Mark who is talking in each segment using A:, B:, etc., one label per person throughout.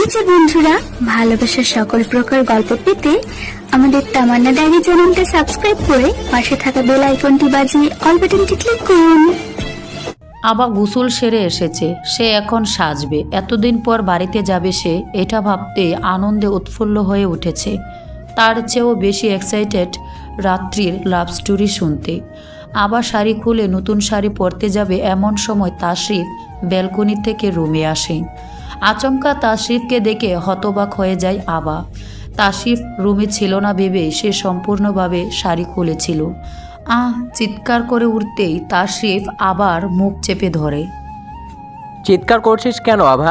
A: যে বন্ধুরা, ভালোবাসার সকল প্রকার গল্প পেতে আমাদের তামান্না ডায়েরি চ্যানেলটা সাবস্ক্রাইব করে পাশে থাকা বেল আইকনটি বাজিয়ে অল বাটনটি ক্লিক করুন।
B: আবার গোসল সেরে এসেছে, সে এখন সাজবে। এতদিন পর বাড়িতে যাবে সে, এটা ভাবতে আনন্দে উৎফুল্ল হয়ে উঠেছে। তার চেয়েও বেশি এক্সাইটেড রাত্রির লাভ স্টোরি শুনতে। আবার শাড়ি খুলে নতুন শাড়ি পরতে যাবে এমন সময় তাশরিফ ব্যালকনি থেকে রুমে আসে। আচমকা তাশরিফকে দেখে হতবাক হয়ে যায় আবা। তাশরিফ রুমে ছিল না ভেবে সে সম্পূর্ণভাবে শাড়ি খুলেছিল। চিৎকার করে উঠতেই তাশরিফ আবার মুখ চেপে ধরে।
C: চিৎকার করছিস কেন আভা?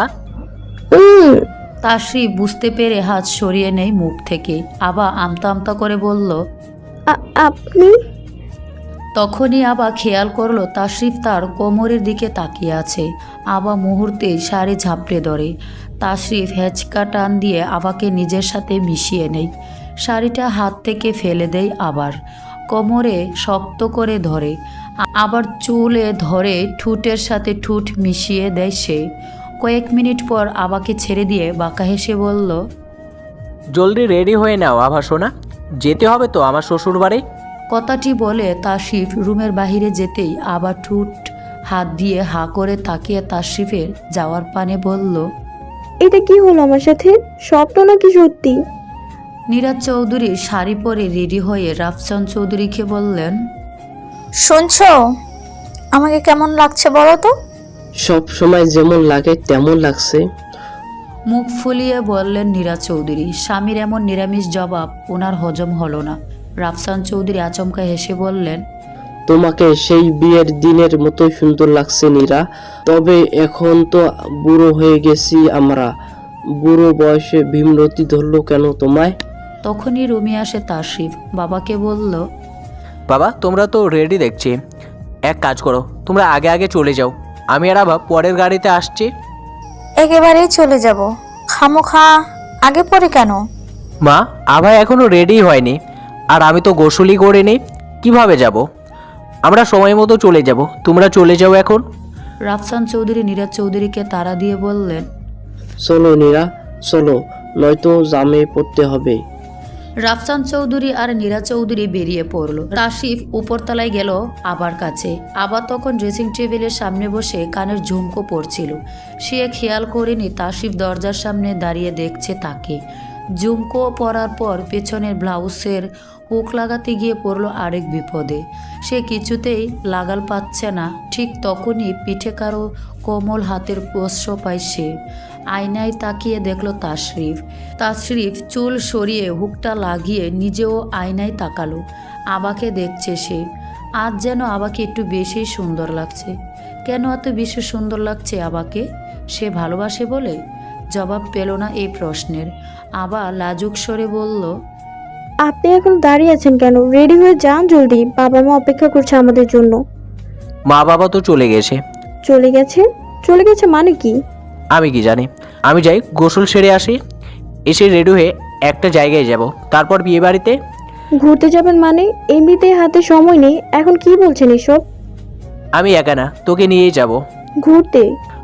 B: তাশরিফ বুঝতে পেরে হাত সরিয়ে নেয় মুখ থেকে। আবা আমতা আমতা করে বলল,
D: আপনি?
B: তখনই আবা খেয়াল করলো তাশরিফ তার কোমরের দিকে তাকিয়ে আছে। আবা মুহূর্তেই শাড়ি ঝাপড়ে ধরে। তাশরিফ হেঁচকা টান দিয়ে আবাকে নিজের সাথে মিশিয়ে নেয়। শাড়িটা হাত থেকে ফেলে দেয়। আবার কোমরে শক্ত করে ধরে, আবার চুলে ধরে ঠোঁটের সাথে ঠোঁট মিশিয়ে দেয় সে। কয়েক মিনিট পর আবাকে ছেড়ে দিয়ে বাঁকা হেসে বলল,
C: জলদি রেডি হয়ে নাও আভা সোনা, যেতে হবে তো আমার শ্বশুর বাড়ি।
B: কথাটি বলে তাশরিফ রুমের বাহিরে যেতেই আবার ঠোঁট হাত দিয়ে হা করে তাকিয়ে তাশরিফের যাওয়ার পানে বলল,
D: এটা কি হলো আমার সাথে? স্বপ্ন নাকি সত্যি?
B: নীরাজ চৌধুরী শাড়ি পরে রেডি হয়ে রাফসান চৌধুরীকে বললেন,
E: শুনছো আমাকে কেমন লাগছে বলো তো?
F: সব সময় যেমন লাগে তেমন লাগছে।
B: মুখ ফুলিয়ে বললেন নীরাজ চৌধুরী। স্বামীর এমন নিরামিষ জবাব ওনার হজম হলো না। রাফসান চৌধুরী আচমকা হেসে বললেন,
F: তোমাকে সেই বিয়ের দিনের মতোই সুন্দর লাগছে নীরা। তবে এখন তো বুড়ো হয়ে গেছি আমরা। বুড়ো বয়সে ভীমরতি ধরলো কেন তোমায়?
B: তখনই রুমে আসে তাশরিফ। বাবাকে বলল,
C: বাবা তোমরা তো রেডি দেখছি, এক কাজ করো তোমরা আগে আগে চলে যাও, আমি আর আভা পরের গাড়িতে আসছি।
E: একেবারেই চলে যাব, খামোখা আগে পরে কেন?
C: মা আভা এখনো রেডি হয়নি, আর আমি তো গোসলই করিনি, কিভাবে যাব? আমরা সময় মতো চলে যাব, তোমরা চলে যাও এখন।
B: রাফসান চৌধুরী নীরাজ চৌধুরীকে তাড়া দিয়ে বললেন,
F: চলো নীরা চলো, নয়তো জামে পড়তে হবে।
B: রাফসান চৌধুরী আর নীরা চৌধুরী বেরিয়ে পড়ল। তাশরিফ উপরতলায় গেল আবার কাছে। আবার তখন ড্রেসিং টেবিলের সামনে বসে কানের ঝুমকো পড়ছিল। সে খেয়াল করেনি তাশরিফ দরজার সামনে দাঁড়িয়ে দেখছে তাকে। ঝুমকো পরার পর পেছনের ব্লাউজের হুক লাগাতে গিয়ে পড়ল আরেক বিপদে। সে কিছুতেই লাগাল পাচ্ছে না। ঠিক তখনই পিঠে কারো কোমল হাতের স্পর্শ পায় সে। আয়নায় তাকিয়ে দেখল তাশরিফ চুল সরিয়ে হুকটা লাগিয়ে নিজেও আয়নায় তাকালো। আবাকে দেখছে সে। আজ যেন আবাকে একটু বেশি সুন্দর লাগছে। কেন এত বেশি সুন্দর লাগছে আবাকে? সে ভালোবাসে বলে? জবাব পেল না এই প্রশ্নের। আবা লাজুক স্বরে বলল,
D: আপনি এখন দাঁড়িয়ে আছেন কেন? রেডি হয়ে যান জলদি, বাবা মা অপেক্ষা করছে আমাদের জন্য।
C: মা বাবা তো চলে গেছে।
D: চলে গেছে? চলে গেছে মানে কি?
C: আমি কি জানি, আমি যাই গোসল সেরে আসি, এসে রেডি হয়ে একটা জায়গায় যাব, তারপর বিয়ে বাড়িতে।
D: ঘুরতে যাবেন মানে? এমনিতেই হাতে সময় নেই, এখন কি বলছেন এসব?
C: আমি একা না, তোকে নিয়েই যাব।
D: ঘুরতে?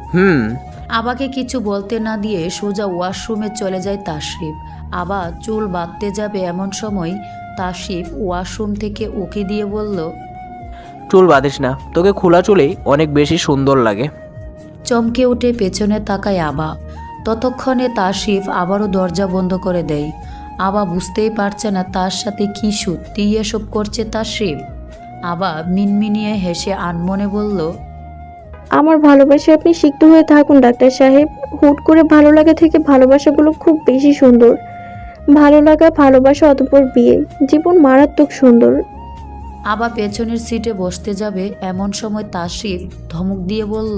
B: আবাকে কিছু বলতে না দিয়ে সোজা ওয়াশরুমে চলে যায় তাশরিফ। আবা চুল বাঁধতে যাবে এমন সময় তাশরিফ ওয়াশরুম থেকে উকি দিয়ে বলল,
C: চুল বাঁধিস না, তোকে খোলা চুলেই অনেক বেশি সুন্দর লাগে।
B: চমকে উঠে পেছনে তাকায় আবা। ততক্ষণে তাশরিফ আবারও দরজা বন্ধ করে দেয়। আবা বুঝতেই পারছে না তার সাথে কি সত্যিই এসব করছে তাশরিফ। আবা মিনমিনিয়ে হেসে আনমনে বলল,
D: আমার ভালোবাসা আপনি সিক্ত হয়ে থাকুন ডাক্তার সাহেব। হুট করে ভালো লাগা থেকে ভালোবাসাগুলো খুব বেশি সুন্দর। ভালো লাগা, ভালোবাসা, অতঃপর বিয়ে, জীবন মারাত্মক সুন্দর।
B: আবা পেছনের সিটে বসতে যাবে এমন সময় তাশরিফ ধমক দিয়ে বলল,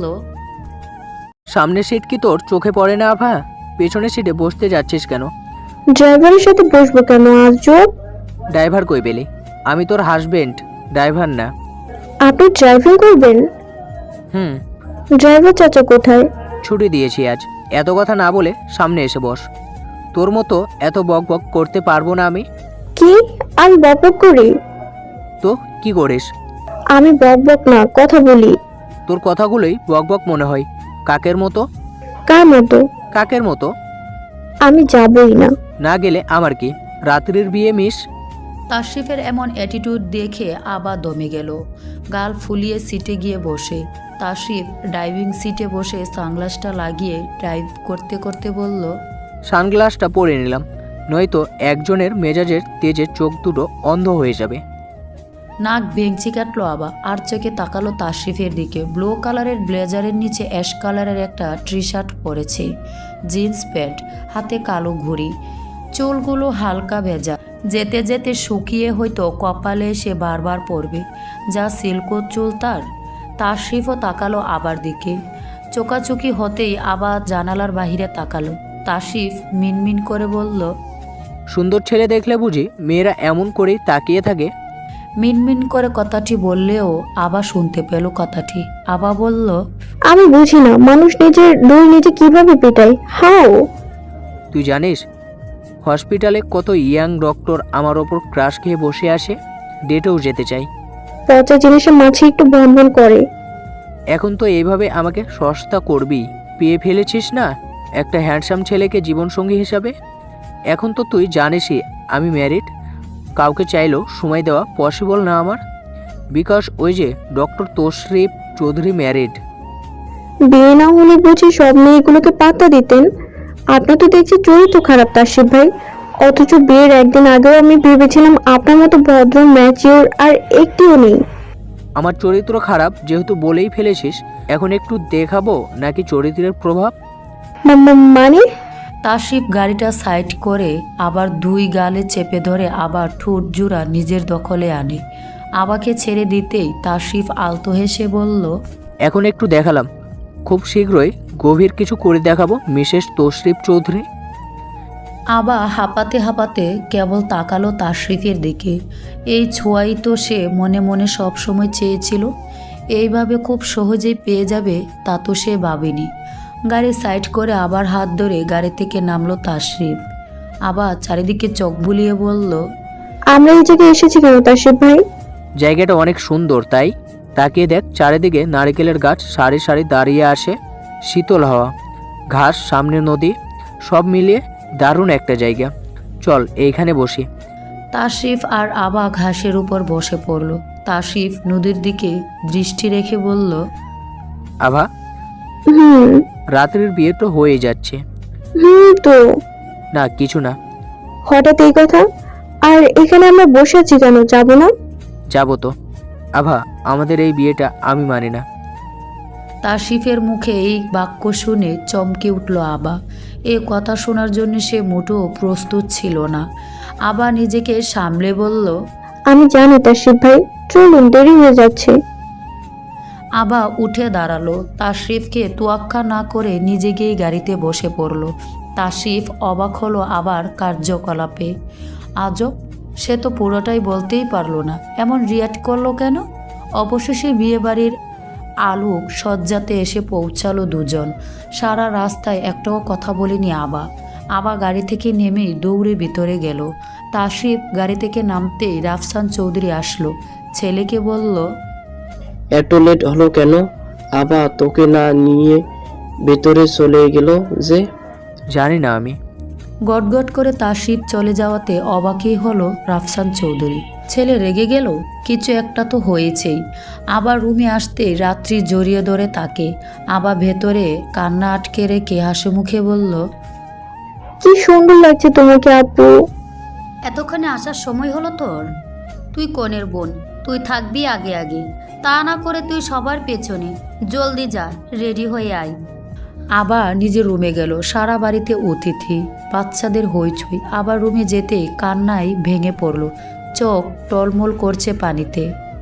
C: সামনের সিট কি তোর চোখে পড়ে না আভা? পেছনের সিটে বসতে যাচ্ছিস কেন?
D: ড্রাইভারের সাথে বসবো কেন আজব?
C: ড্রাইভার কই পেলি? আমি তোর হাজবেন্ড, ড্রাইভার না।
D: আপনি ড্রাইভিং করবেন? ড্রাইভার চাচা কোথায়?
C: ছুটি দিয়েছি আজ। এত কথা না বলে সামনে এসে বস। তোর মতো এত বক বক করতে পারবো না আমি।
D: কি? আমি বকবক করি?
C: তো কি করিস?
D: আমি বকবক না, কথা বলি।
C: তোর কথাগুলোই বক বক মনে হয়। কাকের মতো।
D: কার মতো?
C: কাকের মতো।
D: আমি যাবই না।
C: না গেলে আমার কি, রাত্রির বিয়ে মিস।
B: তাশরিফের এমন অ্যাটিটিউড দেখে আবার দমে গেল। গাল ফুলিয়ে সিটে গিয়ে বসে। তাশরিফ ড্রাইভিং সিটে বসে সানগ্লাসটা লাগিয়ে ড্রাইভ করতে করতে বলল,
C: সানগ্লাসটা পরে নিলাম, নয়তো একজনের মেজাজের তেজে চোখ দুটো অন্ধ হয়ে যাবে।
B: নাক ভেঙচি কাটলো আবা, আর চোখে তাকালো তাশরিফের দিকে। ব্লু কালারের ব্লেজারের নিচে অ্যাশ কালারের একটা টি শার্ট পরেছে, জিন্স প্যান্ট, হাতে কালো ঘড়ি, চুলগুলো হালকা ভেজা, যেতে যেতে শুকিয়ে হয়তো কপালে সে বারবার পড়বে। যা সিল্কো চুল তার। তাশরিফও তাকালো আবার দিকে। চোকাচুকি হতেই আবার জানালার বাহিরে তাকালো। তাশরিফ মিনমিন করে বলল,
C: সুন্দর ছেলে দেখলে বুঝি মেয়েরা এমন করেই তাকিয়ে থাকে?
B: মিনমিন করে কথাটি বললেও আবার শুনতে পেল কথাটি। আবা বলল,
D: আমি বুঝি না মানুষ নিজের দই নিজে কিভাবে পেটায়। হাও।
C: তুই জানিস হসপিটালে কত ইয়াং ডক্টর আমার ওপর ক্রাশ খেয়ে বসে আসে, ডেটেও যেতে চাই।
D: পচা জিনিসের মাঝে একটু ভনভন করে।
C: এখন তো এইভাবে আমাকে সস্তা করবি, পেয়ে ফেলেছিস না একটা হ্যান্ডসাম ছেলেকে জীবনসঙ্গী হিসাবে। এখন তো তুই জানিসই আমি ম্যারিড, কাউকে চাইলেও সময় দেওয়া পসিবল না আমার, বিকজ ওই যে ডক্টর তশরিফ চৌধুরী ম্যারিড।
D: বিয়ে না হলে বুঝি সব মেয়েগুলোকে পাত্তা দিতেন? আপনার তো দেখছি চরিত্র খারাপ তাশরিফ ভাই। অথচ বিয়ের একদিন আগেও আমি ভেবেছিলাম আপনার মতো ভদ্র ম্যাচিওর আর একটিও নেই।
C: আমার চরিত্র খারাপ যেহেতু বলেই ফেলেছিস, এখন একটু দেখাবো নাকি চরিত্রের প্রভাব?
D: মানে?
B: তাশরিফ গাড়িটা সাইড করে আবার দুই গালে চেপে ধরে আবার ঠোঁট জোড়া নিজের দখলে আনে। আবাকে ছেড়ে দিতেই তাশরিফ আলতো হেসে বলল,
C: এখন একটু দেখালাম, খুব শীঘ্রই গভীর কিছু করে দেখাবো মিসেস তশরিফ চৌধুরী।
B: আবা হাঁপাতে হাঁপাতে কেবল তাকালো তাশরিফের দিকে। এই ছোঁয়াই তো সে মনে মনে সব সময় চেয়েছিল। এইভাবে খুব সহজেই পেয়ে যাবে তা তো সে ভাবেনি। গাড়ি সাইড করে আবার হাত ধরে গাড়ি থেকে নামলো তাশরিফ। আবার চারিদিকে চোখ বুলিয়ে বলল,
D: আমরা এই জায়গায় এসেছি কেন তাশরিফ ভাই?
C: জায়গাটা অনেক সুন্দর, তাই তাকিয়ে দেখ চারিদিকে নারকেলের গাছ সারি সারি দাঁড়িয়ে আসে, শীতল হাওয়া, ঘাস, সামনে নদী, সব মিলিয়ে দারুণ একটা জায়গা। চল এইখানে বসি।
B: তাশরিফ আর আবা ঘাসের উপর বসে পড়ল। তাশরিফ নদীর দিকে দৃষ্টি রেখে বলল,
C: আভা,
D: হুম
C: রাত্রির বিয়ে তো হয়ে যাচ্ছে।
D: তো
C: না কিছু না।
D: হঠাৎ এই কথা? আর এখানে আমরা বসে আছি কেন, যাবো না?
C: যাবো তো। আভা, আমাদের এই বিয়েটা আমি মানি না।
B: তাশরিফের মুখে এই বাক্য শুনে চমকে উঠল আবা। এ কথা শোনার জন্য সে মোটেও প্রস্তুত ছিল না। আবা নিজেকে সামলে বলল,
D: আমি জানি তাশরিফ ভাই, চলুন দেরি হয়ে যাচ্ছে।
B: আবা উঠে দাঁড়ালো। তাশরিফকে তোয়াক্কা না করে নিজে গিয়ে গাড়িতে বসে পড়ল। তাশরিফ অবাক হলো আবার কার্যকলাপে। আজব, সে তো পুরোটাই বলতেই পারলো না, এমন রিয়াক্ট করলো কেন? অবশেষে বিয়েবাড়ির আলোক সজ্জাতে এসে পৌঁছালো দুজন। সারা রাস্তায় একটাও কথা বলেনি আবা। আবা গাড়ি থেকে নেমেই দৌড়ে ভিতরে গেল। তাশরিফ গাড়ি থেকে নামতেই রাফসান চৌধুরী আসলো। ছেলেকে বলল,
F: এত লেট হলো কেন? আবা তোকে না নিয়ে ভেতরে চলে গেল যে?
C: জানি না আমি।
B: গটগট করে তাশরিফ চলে যাওয়াতে অবাকই হলো রাফসান চৌধুরী। ছেলে রেগে গেল? কিছু একটা তো হয়েছেই। আবার রুমে আসতে রাত্রি জড়িয়ে ধরে তাকে। আবার ভেতরে কান্না আটকে রেখে হাসি মুখে বলল,
D: কি সুন্দর লাগছে তোমাকে আপু।
G: এতক্ষণে আসার সময় হলো তোর? তুই কনের বোন, তুই থাকবি আগে আগে, তা না করে তুই সবার পেছনে। জলদি যা, রেডি হয়ে আয়।
B: আবার নিজের রুমে গেল। সারা বাড়িতে অতিথি, বাচ্চাদের হইচই। আবার রুমে যেতে কান্নায় ভেঙে পড়ল। চোখ টলমল করছে পানিতে।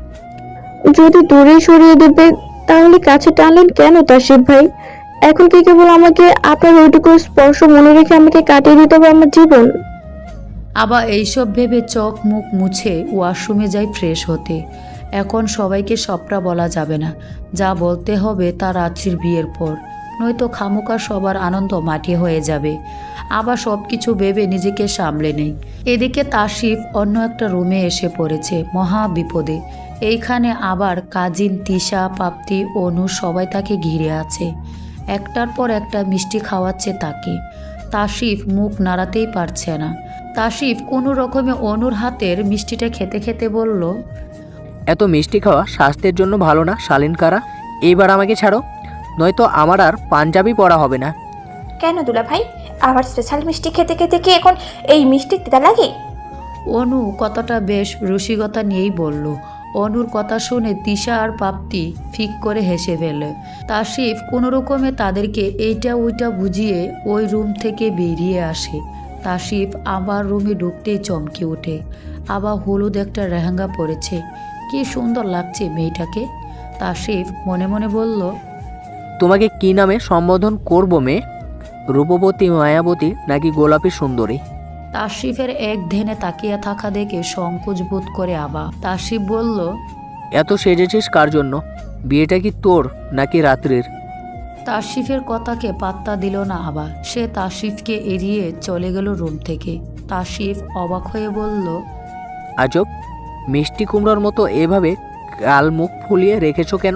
D: যদি দূরে সরিয়ে দেবে তাহলে কাছে টানলেন কেন তাশরিফ ভাই? এখন কি কেবল আমাকে আপনার ওইটুকু স্পর্শ মনে রেখে আমাকে কাটিয়ে দিতে হবে আমার জীবন?
B: আবার এইসব ভেবে চোখ মুখ মুছে ওয়াশরুমে যাই ফ্রেশ হতে। এখন সবাইকে সবটা বলা যাবে না, যা বলতে হবে তা রাত্রির বিয়ের পর, নয়তো খামোকা সবার আনন্দ মাটি হয়ে যাবে। আবার সব কিছু ভেবে নিজেকে সামলে নেই। এদিকে তাশরিফ অন্য একটা রুমে এসে পড়েছে মহা বিপদে। এইখানে আবার কাজিন তিশা, পাপ্তি, অনু সবাই তাকে ঘিরে আছে। একটার পর একটা মিষ্টি খাওয়াচ্ছে তাকে। তাসিফ মুখ নাড়াতেই পারছে না। তাসিফ কোনো রকমে অনুর হাতের মিষ্টিটা খেতে খেতে বলল,
C: এত মিষ্টি খাওয়া স্বাস্থ্যের জন্য ভালো না শালীন কারা। এইবার আমাকে ছাড়ো, নয়তো আমার আর পাঞ্জাবি পরা হবে না।
H: কেন দুলা ভাই, আবার স্পেশাল মিষ্টি খেতে খেতে কি এখন এই মিষ্টি তিতা লাগে?
B: অনু কথাটা বেশ রসিকতা নিয়েই বলল। অনুর কথা শুনে তিশা আর প্রাপ্তি ফিক করে হেসে ফেলে। তাসিফ কোনো রকমে তাদেরকে এইটা ওইটা বুঝিয়ে ওই রুম থেকে বেরিয়ে আসে। তাসিফ আবার রুমে ঢুকতেই চমকে ওঠে। আবার হলুদ একটা লেহেঙ্গা পরেছে, কি সুন্দর লাগছে মেয়েটাকে। তাসিফ মনে মনে বলল,
C: তোমাকে কি নামে সম্বোধন করবো মেয়ে? রূপবতী, মায়াবতী নাকি গোলাপী সুন্দরী?
B: তাসিফের এক ধ্যানে তাকিয়ে থাকা দেখে সংকোচ বোধ করে আবা। তাসিফ বলল,
C: এত সেজেছিস কার জন্য? বিয়েটা কি তোর নাকি রাত্রির?
B: তাসিফের কথাকে পাত্তা দিল না আবা। সে তাসিফকে এড়িয়ে চলে গেল রুম থেকে। তাসিফ অবাক হয়ে বলল,
C: আজব, মিষ্টি কুমড়োর মতো এভাবে গাল মুখ ফুলিয়ে রেখেছো কেন?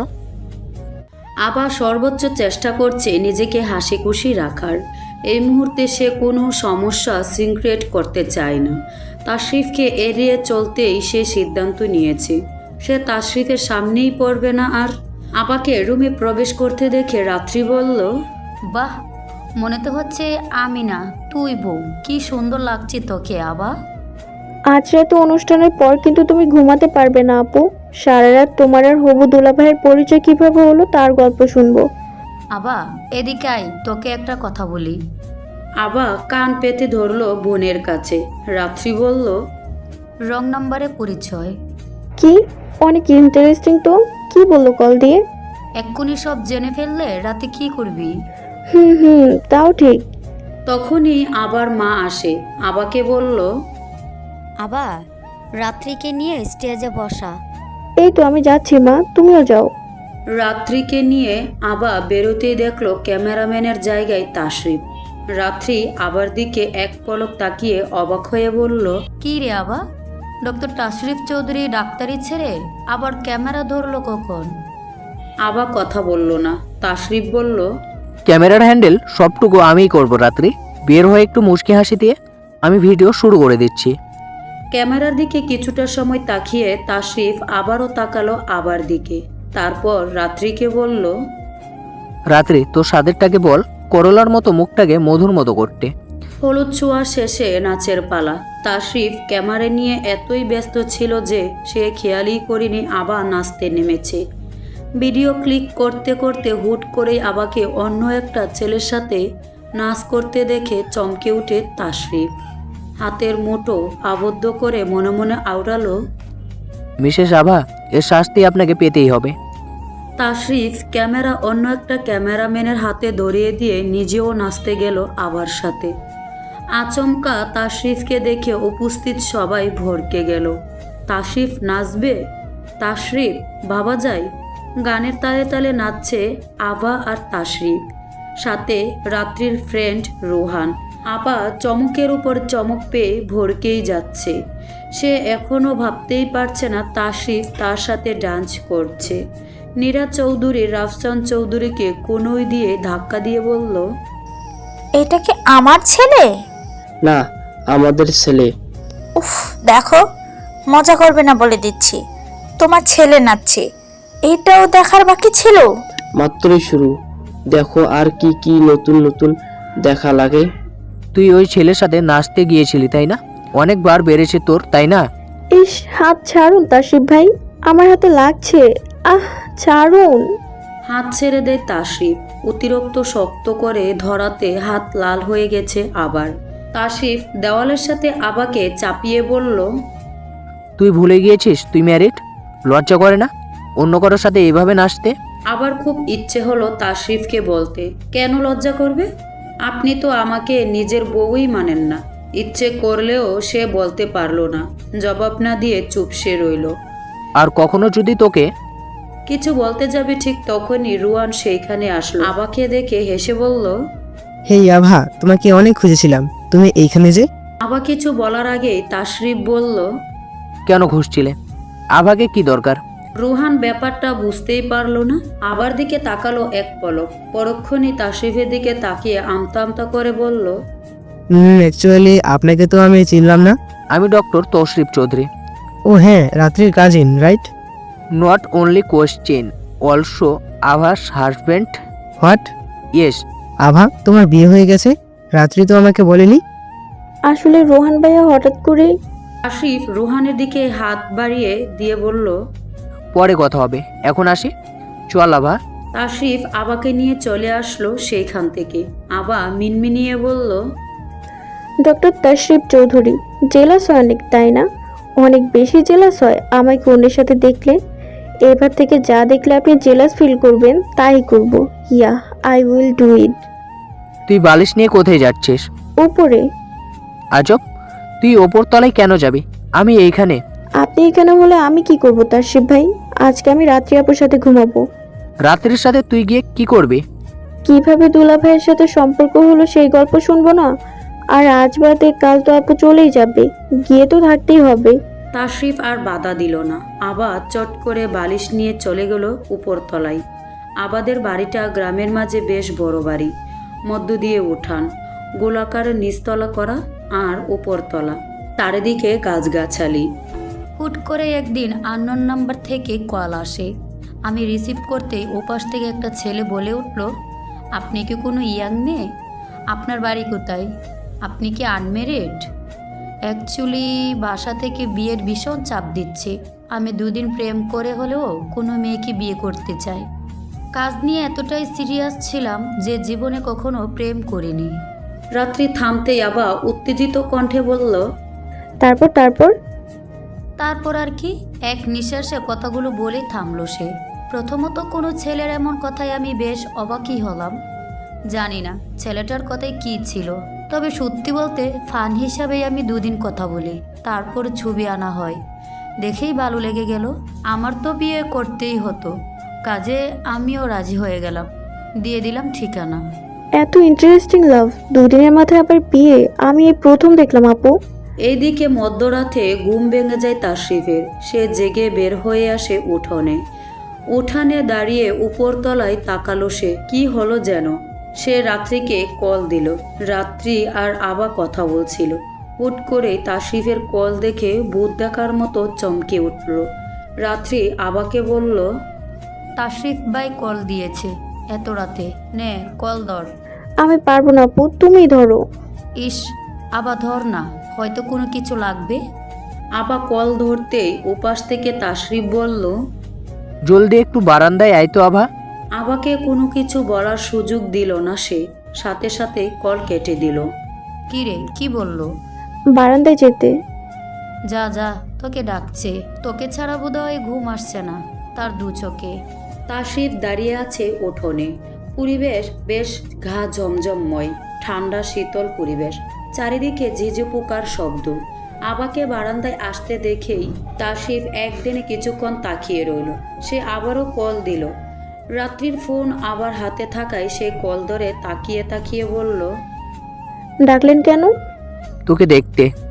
G: আবা সর্বোচ্চ চেষ্টা করছে নিজেকে হাসি খুশি রাখার। এই মুহূর্তে সে কোনো সমস্যা সিক্রেট করতে চায় না। তাশরিফকে এড়িয়ে চলতেই সে সিদ্ধান্ত নিয়েছে সে তাশরিফের সামনেই পড়বে না আর। আবাকে রুমে প্রবেশ করতে দেখে রাত্রি বলল,
B: বাহ, মনে তো হচ্ছে আমি না তুই বউ, কি সুন্দর লাগছে তোকে আবা।
D: আজ রাতে অনুষ্ঠানের পর কিন্তু তুমি ঘুমাতে পারবে না আপু। সারা রাত তোমার আর হবু দুলাভাইয়ের পরিচয় কিভাবে হলো তার গল্প শুনবো।
B: আবা এদিকে আয়, তোকে একটা কথা বলি।
G: আবা কান পেতে ধরলো বোনের কাছে। রাত্রি বলল,
B: রং নাম্বারে পরিচয়।
D: কি, অনেক ইন্টারেস্টিং তো। কি বললো কল দিয়ে?
B: এক্ষুনি সব জেনে ফেললে রাতে কি করবি?
D: হুম, তাও ঠিক।
G: তখনই আবার মা আসে। আবাকে বলল,
I: আবা রাত্রিকে নিয়ে স্টেজে বসা।
D: এই তো আমি যাচ্ছি মা, তুমিও যাও।
G: রাত্রিকে নিয়ে আবা বেরোতেই দেখলো ক্যামেরাম্যানের জায়গায় তাশরিফ। রাত্রি আবার দিকে এক পলক তাকিয়ে অবাক হয়ে বলল,
B: কি রে আবা, ডক্টর তাশরিফ চৌধুরী ডাক্তারি ছেড়ে আবার ক্যামেরা ধরলো কখন?
G: আবা কথা বলল না। তাশরিফ বলল,
C: ক্যামেরার হ্যান্ডেল সবটুকু আমিই করব রাত্রি। বের হয়ে একটু মুচকি হাসি দিয়ে আমি ভিডিও শুরু করে দিচ্ছি।
G: ক্যামেরার দিকে কিছুটা সময় তাকিয়ে তাশরিফ আবারও তাকালো আবার দিকে। তারপর রাত্রিকে বলল,
C: রাত্রি তোর সাদেরটাকে বল করলার মতো মুখটাকে মধুর মতো করতে।
G: হলুদ ছোঁয়া শেষে নাচের পালা। তাশরিফ ক্যামেরা নিয়ে এতই ব্যস্ত ছিল যে সে খেয়ালই করেনি আবা নাচতে নেমেছে। ভিডিও ক্লিক করতে করতে হুট করেই আবাকে অন্য একটা ছেলের সাথে নাচ করতে দেখে চমকে উঠে তাশরিফ। হাতের মুঠো আবদ্ধ করে মনে মনে আওড়ালো,
C: মিসেস আভা, এর শাস্তি আপনাকে পেতেই হবে।
G: তাশরিফ ক্যামেরা অন্য একটা ক্যামেরাম্যানের হাতে ধরিয়ে দিয়ে নিজেও নাচতে গেল আবার সাথে। আচমকা তাশরিফকে দেখে উপস্থিত সবাই ভরকে গেল। তাশরিফ নাচবে? তাশরিফ ভাবা যায়। গানের তালে তালে নাচছে আভা আর তাশরিফ, সাথে রাত্রির ফ্রেন্ড রোহান। আপা চমকের উপর চমক পেয়ে ভরকেই যাচ্ছে। সে এখনও ভাবতেই পারছে না তাশরিফ তার সাথে ডান্স করছে। নীরা চৌধুরী রাফসান চৌধুরীকে কোনোই দিয়ে ধাক্কা দিয়ে বলল,
E: এটা কি আমার ছেলে?
F: না, আমাদের ছেলে।
E: উফ, দেখো, মজা করবে না বলে দিচ্ছি। তোমার ছেলে নাচছে, এটাও দেখার বাকি ছিল।
F: মাত্রই শুরু, দেখো আর কি কি নতুন নতুন দেখা লাগে।
C: তুই ওই ছেলের সাথে নাচতে গিয়েছিলি তাই না? অনেকবার বেড়েছে তোর, তাই না?
D: ইস, হাত ছাড়ুন তাশরিফ ভাই, আমার হাতে লাগছে। ছাড়ুন।
G: হাত ছেড়ে দেয় তাশরিফ। অতিরিক্ত শক্ত করে ধরাতে হাত লাল হয়ে গেছে আবার। তাশরিফ দেওয়ালের সাথে আবাকে চাপিয়ে বলল,
C: তুই ভুলে গিয়েছিস তুই ম্যারিড? লজ্জা করে না অন্য কারোর সাথে এইভাবে নাচতে?
G: আবার খুব ইচ্ছে হলো তাশরিফকে বলতে, কেন লজ্জা করবে? আপনি তো আমাকে নিজের বউই মানেন না। ইচ্ছে করলেও সে বলতে পারল না। জবাব না দিয়ে চুপসে রইল।
C: আর কখনো যদি তোকে
G: কিছু বলতে যাবে ঠিক তখনই রুয়ান সেইখানে আসলো। আবাকে দেখে হেসে বলল,
J: হেই আভা, তোমাকে অনেক খুঁজেছিলাম, তুমি এইখানে যে?
G: আবা কিছু বলার আগেই তাশরিফ বলল,
C: কেন ঘুষছিলে? আভাকে কি দরকার?
G: রুহান ব্যাপারটা বুঝতেই পারলো না, আবার দিকে তাকালো এক পলক, পরক্ষণই তাশরিফের দিকে তাকিয়ে আমতা আমতা করে বলল,
J: অ্যাকচুয়ালি আপনাকে তো আমি চিনলাম না।
C: আমি ডক্টর তশরিফ চৌধুরী।
J: ও হ্যাঁ, রাত্রির cousin, right?
C: Not only question, also Abha's husband.
J: What?
C: Yes.
J: Abha, তোমার বিয়ে হয়ে গেছে? রাত্রি তো আমাকে বলেনি।
D: আসলে রোহান ভাইয়া হঠাৎ করে
G: তাশরিফ রুহানের দিকে হাত বাড়িয়ে দিয়ে বলল,
C: পরে কথা হবে, এখন আসি, চল আভা।
G: তাশরিফ আবাকে নিয়ে চলে আসলো সেইখান থেকে। আবা মিনমিনিয়ে বলল,
D: ডক্টর তাশরিফ চৌধুরী জেলাস হয় অনেক, তাই না? অনেক বেশি জেলাস হয় আমাকে অন্যের সাথে দেখলে। এবার থেকে যা দেখলে আপনি জেলাস ফিল করবেন তাই করব। Yeah, I will do it.
C: তুই বালিশ নিয়ে কোথায় যাচ্ছিস?
D: উপরে।
C: আজব, তুই ওপর তলায় কেন যাবি? আমি এইখানে।
D: আপনি এখানে হলে আমি কি করব তাশরিফ ভাই? আজকে আমি রাত্রি আপুর সাথে ঘুমাবো।
C: রাত্রির সাথে তুই গিয়ে কি করবি?
D: কিভাবে দুলা ভাইয়ের সাথে সম্পর্ক হলো সেই গল্প শুনবো না? আর আজ বাদে কাল তো আপু চলেই যাবে, গিয়ে তো থাকতেই হবে।
G: তাশরিফ আর বাধা দিল না। আবা চট করে বালিশ নিয়ে চলে গেল উপরতলায়। আবাদের বাড়িটা গ্রামের মাঝে বেশ বড় বাড়ি, মধ্য দিয়ে উঠান, গোলাকার নিচতলা করা আর উপরতলা, চারিদিকে গাছগাছালি।
B: হুট করে একদিন আননোন নাম্বার থেকে কল আসে। আমি রিসিভ করতেই ওপাশ থেকে একটা ছেলে বলে উঠল, আপনি কি কোনো ইয়াং মেয়ে? আপনার বাড়ি কোথায়? আপনি কি আনমেরিড? অ্যাকচুয়ালি বাসা থেকে বিয়ের ভীষণ চাপ দিচ্ছে। আমি দুদিন প্রেম করে হলেও কোনো মেয়েকে বিয়ে করতে চাই। কাজ নিয়ে এতটাই সিরিয়াস ছিলাম যে জীবনে কখনো প্রেম করিনি।
G: রাত্রি থামতেই আবা উত্তেজিত কণ্ঠে বলল,
D: তারপর তারপর
B: তারপর আর কি, এক নিঃশ্বাসে কথাগুলো বলে থামলো সে। প্রথমত কোনো ছেলের এমন কথায় আমি বেশ অবাকই হলাম। জানি না ছেলেটার কথায় কি ছিল, তবে সত্যি বলতে ফান হিসাবেই আমি দুদিন কথা বলি, তারপর ছবি আনা হয়। দেখেই ভালো লেগে গেল। আমার তো বিয়ে করতেই হতো, কাজে আমিও রাজি হয়ে গেলাম, দিয়ে দিলাম ঠিকানা।
D: এত ইন্টারেস্টিং লাভ, দুদিনের মাথায় আবার বিয়ে, আমি এই প্রথম দেখলাম আপু।
G: এইদিকে মধ্যরাতে ঘুম ভেঙে যায় তাশরিফের। সে জেগে বের হয়ে আসে উঠোনে। উঠানে দাঁড়িয়ে উপরতলায় তাকালো সে। কি হলো যেন? সে রাত্রিকে কল দিল। রাত্রি আর আবা কথা বলছিল। হুট করেই তাশরিফের কল দেখে ভূত দেখার মতো চমকে উঠল। রাত্রি আবাকে বলল,
B: তাশরিফ ভাই কল দিয়েছে এত রাতে, নে কল ধর।
D: আমি পারবো না আপু, তুমি ধরো।
B: ইস, আবার ধর না, হয়তো কোনো কিছু লাগবে।
G: আবা কল ধরতেই ওপাশ থেকে তাশরিফ বলল,
C: জলদি একটু বারান্দায় আয় তো আভা।
G: আবাকে কোনো কিছু বলার সুযোগ দিল না সে, সাথে সাথে কল কেটে দিল।
B: কি রে, কি বললো?
D: বারান্দায় যেতে।
B: যা যা, তোকে ডাকছে। তোকে ছাড়া বোধহয় ঘুম আসছে না তার দু চোখে।
G: তাশরিফ দাঁড়িয়ে আছে উঠোনে। পরিবেশ বেশ ঘা জমজমময়, ঠান্ডা শীতল পরিবেশ, চারিদিকে ঝিঝি পোকার শব্দ। আবাকে বারান্দায় আসতে দেখেই তাশরিফ একদিনে কিছুক্ষণ তাকিয়ে রইল। সে আবারও কল দিল। রাত্রির ফোন আবার হাতে থাকায় সে কল ধরে তাকিয়ে তাকিয়ে বলল,
D: ডাকলেন কেন?
C: তোকে দেখতে।